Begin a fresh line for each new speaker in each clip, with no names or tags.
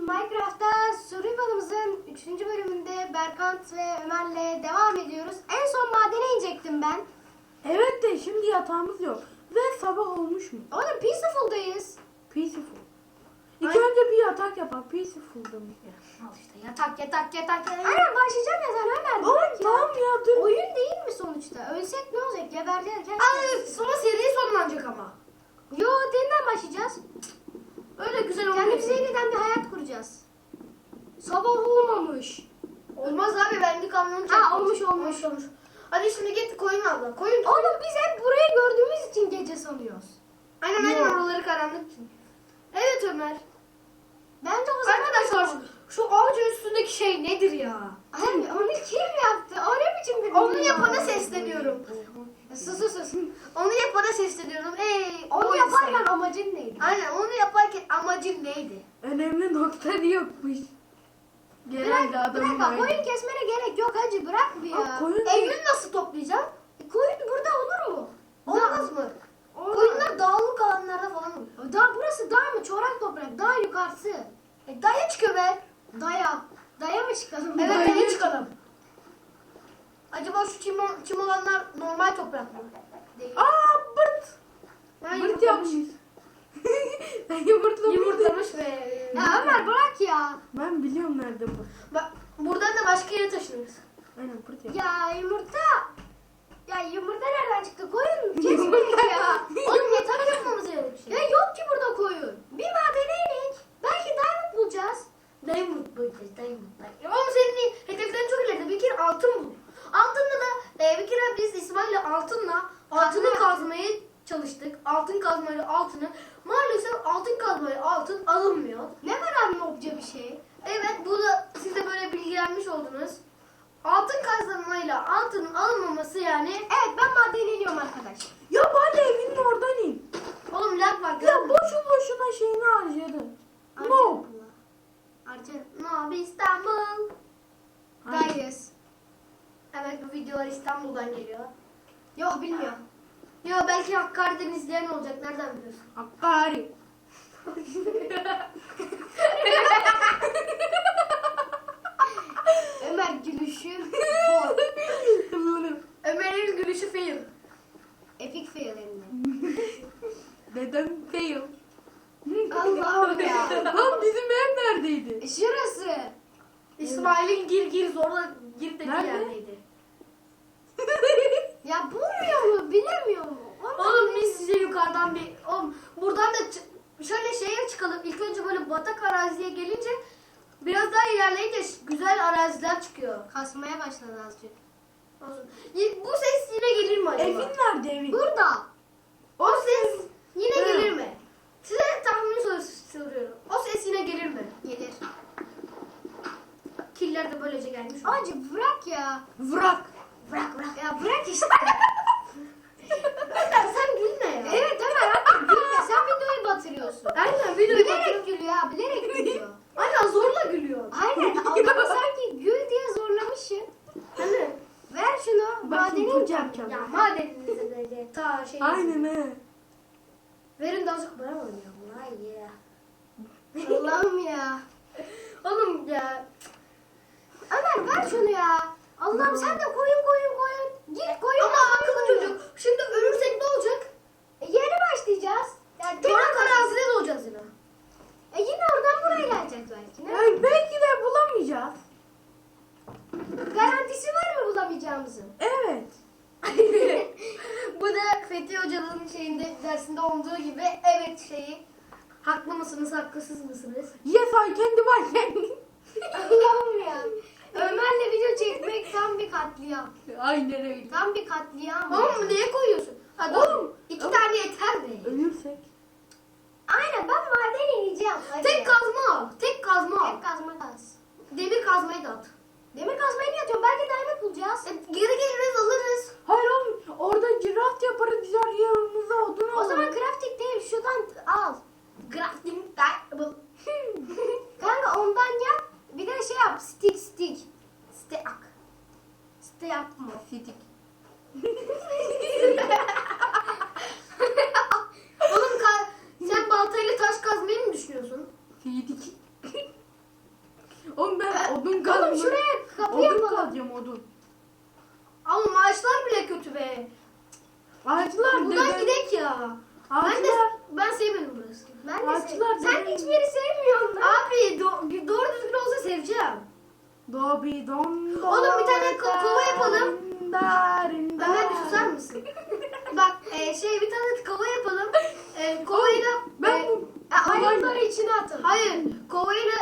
Minecraft'ta Survival'ımızın 3. bölümünde Berkant ve Ömer'le devam ediyoruz. En son madene inecektim ben.
Evet de şimdi yatağımız yok. Ve sabah olmuş mu?
Oğlum Peaceful'dayız.
Peaceful. İlk önce bir yatak yapar. Peaceful'da mı?
Al işte yatak.
Aynen başlayacağım ya sen Ömer.
Oğlum
bırak ya.
tamam ya dur.
Oyun değil mi sonuçta? Ölsek ne olacak? Gebereceğiz.
Ay sonra seri sonlanacak ama.
Yo yeniden başlayacağız.
Öyle güzel olmuyor.
Kendimize yeniden bir hayat kuracağız. Sabah olmamış.
Olmaz abi benlik kamyonu
Ha, olmuş.
Hadi şimdi git koyun abla. Koyun.
Oğlum biz hep burayı gördüğümüz için gece sanıyoruz.
Aynen
Yok.
oraları karanlık için. Evet Ömer.
Bence o zaman...
Arkadaşlar şu ağacın üstündeki şey nedir ya?
Abi onu kim yaptı? O ne biçim bir
Onu
dünya?
yapana sesleniyorum.
Sus.
Onu yapana sesleniyorum. Ey
Onu
o
yaparken
insan.
amacın neydi?
Aynen onu yaparken amacın neydi?
Önemli nokta yokmuş. Genelde adamın
bak
aynı.
koyun kesmene gerek yok hacı bırak bir ya.
Aa, koyun-
Eylül nasıl toplayacağım?
Koyun burada olur mu?
Olmaz mı?
Olmaz.
Koyunlar dağlık alanlarda falan olur.
Burası dağ mı? Çorak toprak. Dağ yukarısı.
Daya çıkıyor be.
Daya mı çıkalım?
Evet
Daya
daya çıkalım. Acaba şu çim olanlar normal toprak mı? Değil.
Aa bırt.
Ben
Bırt
yumurtlamış.
yapmış. Ben yumurtlamış.
Yumurtlamış ve...
Ya Ömer bırak ya.
Ben biliyorum nerede bu.
Bak buradan da başka yere taşınırız.
Aynen bırt yap.
Ya yumurta. Ya yumurta nereden çıktı? Koyun kesmedik ya.
Oğlum yatak yapmamız gerekiyor.
Ya yok ki burada koyun. Bir madene inek. Belki diamond bulacağız.
Diamond bulacağız, diamond. Ama senin hedeflerin çok ileride. Bir kere altın bul. Altınla da bir kere biz İsmail'le altını kazmaya çalıştık. Altın kazmayla altını. Maalesef altın kazmayla altın alınmıyor.
Ne var abi obca bir şey?
Evet bu da siz de böyle bilgilenmiş oldunuz. Altın kazanmayla altının alınmaması yani.
Evet ben madene iniyorum arkadaş.
Ya bari evinin oradan in.
Oğlum lag var.
Ya boşu boşuna şeyini harcadın. No.
Arca.
No İstanbul.
Dayız.
Evet bu videolar İstanbul'dan geliyor.
Yok bilmiyorum.
Yo belki Hakkari'den izleyen olacak. Nereden biliyorsun?
Hakkari.
Ömer gülüşün hor.
Ömer'in gülüşü fail.
Epic fail hem de.
Neden fail?
Allah'ım ya.
Lan bizim ev neredeydi?
Şurası.
İsmail'in gir zorla gir dediği
Nerede?
yerdeydi.
Ya bulmuyor mu? Bilemiyor mu?
Oğlum biz size yukarıdan oğlum buradan da şöyle şeye çıkalım. İlk önce böyle batak araziye gelince biraz daha ilerleyince güzel araziler çıkıyor.
Kasmaya başladı azıcık.
Olsun. Bu ses yine gelir mi acaba?
Evin nerede evin?
Burada.
O ses yine
Hı.
gelir mi? Size tahmin soruyorum. O ses yine gelir mi?
Gelir.
Killer de böylece gelmiş.
Acı bırak ya.
Vrak.
Bırak.
Ya bırak işte.
Sen gülme ya.
Evet Ömer artık gülme. Sen videoyu batırıyorsun.
Aynen videoyu
Bilerek gülüyor ha. Bilerek gülüyor.
Aynen zorla gülüyor.
Aynen. Adamı sanki gül diye zorlamışsın.
Hani?
Ver şunu.
Bak şimdi
Madeni
put yapacağım.
Ya madeninize böyle ta şey.
Aynen he.
Verin de azıcık bana oynayalım. Vay ya.
Allah'ım ya.
Oğlum ya.
Ömer ver şunu ya. Allah'ım sen de koyun. Git koyun.
Ama akıllı çocuk. Şimdi ölürsek ne olacak?
Yeni başlayacağız. Yani
Torak arazide doğacağız yine.
yine oradan buraya geleceğiz belki. Ne?
Yani belki de bulamayacağız.
Garantisi var mı bulamayacağımızın?
Evet.
Bu da Fethi Hoca'nın dersinde olduğu gibi evet şeyi. Haklı mısınız, haklısız mısınız?
Yes I can do I can.
Allah'ım ya. Ömer'le video çekmek tam bir katliam.
Aynen öyle.
Tam bir katliam.
Oğlum neye koyuyorsun? Hadi oğlum. 2 tane yeter mi?
Ölürsek.
Aynen ben maden ineceğim. Hadi
Tek
ya.
kazma al. Tek kazma al.
Tek kazma kaz.
Demir kazmayı da at.
Demir kazmayı niye atıyorum? Belki diamond bulacağız.
Geri geliriz alırız.
Hayır oğlum orada craft yaparız güzel yanımıza odun
O
alırız.
zaman crafting değil şuradan al.
Crafting table.
Kanka ondan yap. Bir de şey yap. Stick.
Stack.
Stick yapma.
Sidik.
Oğlum sen baltayla taş kazmayı mı düşünüyorsun?
Sidik. Odun kazma.
Oğlum şuraya kapı
Odun
yapalım.
kazacağım odun.
Ama maaşlar bile kötü be.
Ağaçlar
Buradan
dede.
gidek ya.
Ağaçlar.
Ben sevmedim burası.
Ben de
Ağaçlar
Sen
dede.
hiçbir yeri sevmiyorsun lan.
Abi doğru düzgün olsa seveceğim.
Dobi don do.
Oğlum bir tane kova yapalım.
Darinda.
Ömer bir susar mısın? Bak bir tane kova yapalım. Kovayla
Ben bu
Ayakları içine atın.
hayır kovayla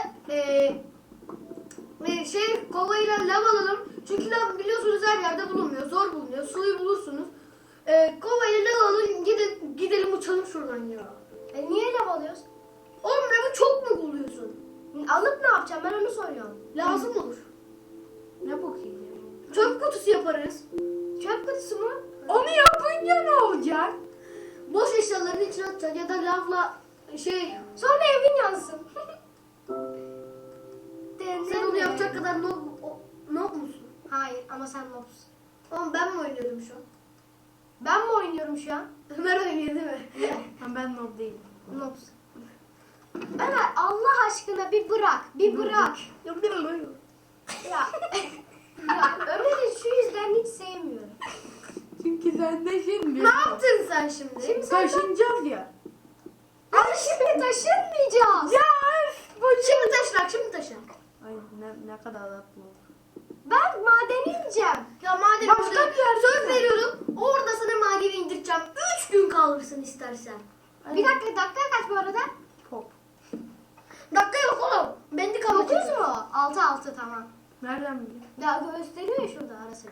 kovayla lav alalım. Çünkü lav biliyorsunuz her yerde bulunmuyor. Zor bulunuyor. Suyu bulursunuz. Kovayla lav alın gidelim uçalım şuradan ya.
Niye lav alıyoruz?
Oğlum lavı çok mu buluyorsun?
Alıp ne yapacağım ben onu soruyorum.
Lazım olur.
ne bakayım?
Çöp kutusu yaparız.
Çöp kutusu mu?
Onu yapınca ne olacak?
Boş eşyaların içine atacaksın ya da lavla
Sonra evin yansın.
sen onu yapacak kadar noob musun?
Hayır ama sen nobsun.
Oğlum ben mi oynuyorum şu an?
Ben mi oynuyorum şu an?
Ömer oynuyor değil mi?
Ben noob değilim.
Nobsun. Ömer Allah aşkına bir bırak. Bir bırak. Ya. Ya Ömer'i şu yüzden hiç sevmiyorum.
Çünkü sen de şimdi.
Ne yaptın sen şimdi?
Şimdi sen
Taşınacağız ya.
Ama şimdi taşınmayacağız.
Ya bu
Şimdi taşırak, şimdi taşı.
Ay ne kadar tatlı.
Ben madene ineceğim.
Ya madem
Başka
orada
bir yerde
söz
mi?
veriyorum, orada sana madeni indireceğim. 3 gün kalırsın istersen.
Bir dakika kaç bu arada?
Pop.
Dakika yok oğlum. Bendik
9
ama.
mu? 6 tamam.
Nereden biliyorsun?
Ya gösteriyor ya şurada arası.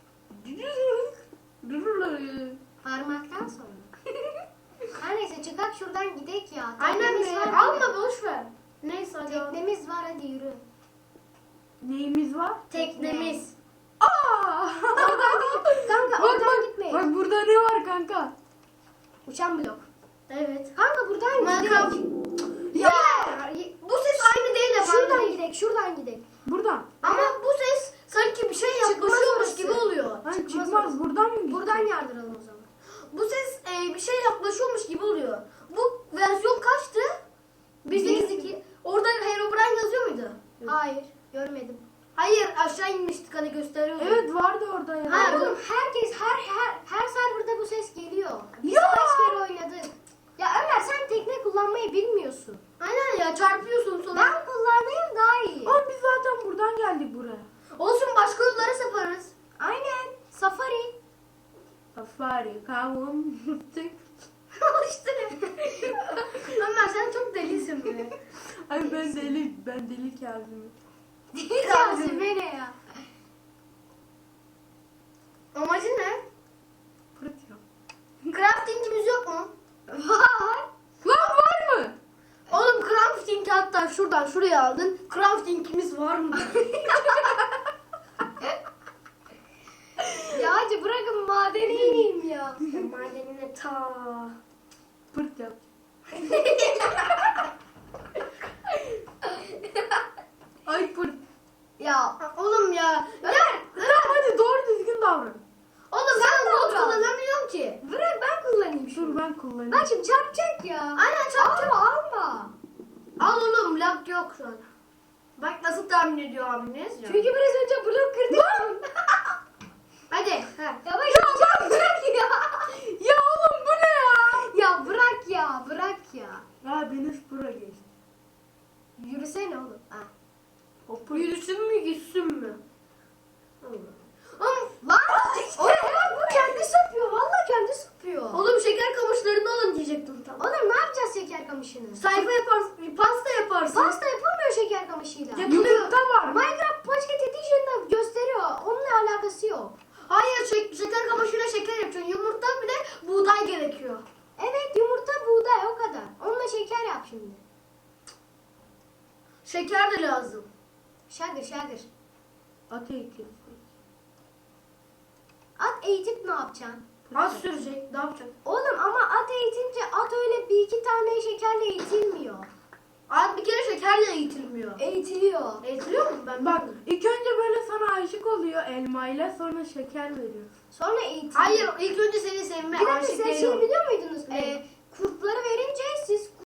Parmaktan sonra. Her neyse çıkak şuradan gidek ya.
Aynen
Teknemiz
be.
var,
Alma boş ver. Neyse hadi.
Teknemiz var hadi yürü.
Neyimiz var?
Teknemiz.
Aa!
Kanka
Bak
oradan
bak.
gitmeyin.
Bak burada ne var kanka?
Uçan blok.
Evet.
Kanka buradan
Minecraft.
gidelim.
Ya. Bu ses aynı değil efendim.
Şuradan gidek.
Buradan.
Ama bu ses sanki bir şey yaklaşıyormuş
orası.
gibi oluyor.
Hani
Çıkmaz
çıkmaz
orası.
buradan mı gideceğiz?
Buradan yardıralım o zaman.
Bu ses bir şey yaklaşıyormuş gibi oluyor. Bu versiyon kaçtı? 1.8.2. Orada Herobrine yazıyor muydu?
Hayır görmedim.
Hayır aşağı inmiştik hani gösteriyordu.
Evet vardı orada ya.
Ha, oğlum herkes her serverda bu ses geliyor. Biz
Ya!
kaç kere oynadık. Ya Ömer sen tekne kullanmayı bilmiyorsun.
Aynen ya çarpıyorsun sonra.
Ben kullanayım daha iyi.
Oğlum biz zaten buradan geldik buraya.
Olsun başka yollara saparız.
Aynen. Safari.
Safari kavun tık.
işte. Ömer sen çok delisin be.
Ay ben deli Kazım'ım.
Diyeceğim beni ya.
Amacı ne?
Pırt ya.
Crafting'imiz yok mu?
Var.
Lan var mı?
Oğlum crafting hatta şuradan şuraya aldın. Crafting'imiz var mı?
Ya hacı bırakın madene ineyim ya.
Madenine ta.
Pırt yap. Ay pırt.
Ya
Oğlum ya.
Tamam hadi doğru düzgün davran.
Oğlum
Sen
ben bot
davran.
kullanamıyorum ki.
bırak ben kullanayım şunu.
Dur ben kullanayım.
Bak şimdi çarpacak ya.
Aynen çarpacak.
Alma.
Al oğlum lag yok şu an. Bak nasıl tahmin ediyor abiniz ya.
Çünkü biraz önce blok kırdık.
Hadi. He.
Yavaş çarpacak ya.
Ya oğlum bu ne ya?
Ya bırak ya bırak ya.
Ya Deniz Pura geçti.
Yürüsene oğlum. Ha.
O pırt.
Yürüsün mü gitsin mi? Oğlum
Lan! Oğlum bu kendi sapıyor. Valla kendi sapıyor.
Oğlum şeker kamışlarını alın diyecektim tam.
Oğlum ne yapacağız şeker kamışını?
Sayfa yaparsın, pasta yaparsın.
Pasta yapılmıyor şeker kamışıyla.
Yumurta var.
Minecraft Pocket Edition'da gösteriyor. Onunla alakası yok.
Hayır şeker kamışıyla şeker yapacaksın. Yumurta bir de buğday gerekiyor.
Evet yumurta buğday o kadar. Onunla şeker yap şimdi.
Şeker de lazım.
Şagır.
At eğitim.
At eğitip ne yapacaksın?
Az sürecek. Ne yapacaksın?
Oğlum ama at eğitince at öyle bir iki tane şekerle eğitilmiyor.
Az bir kere şekerle eğitilmiyor.
Eğitiliyor.
Eğitiliyor mu? Ben
Bak
bilmiyorum.
ilk önce böyle sana aşık oluyor elmayla sonra şeker veriyor.
Sonra eğitiliyor.
Hayır ilk önce seni sevme
Bir dakika
aşık
siz
değil
şey
o.
biliyor muydunuz?
Ne?
Kurtları verince siz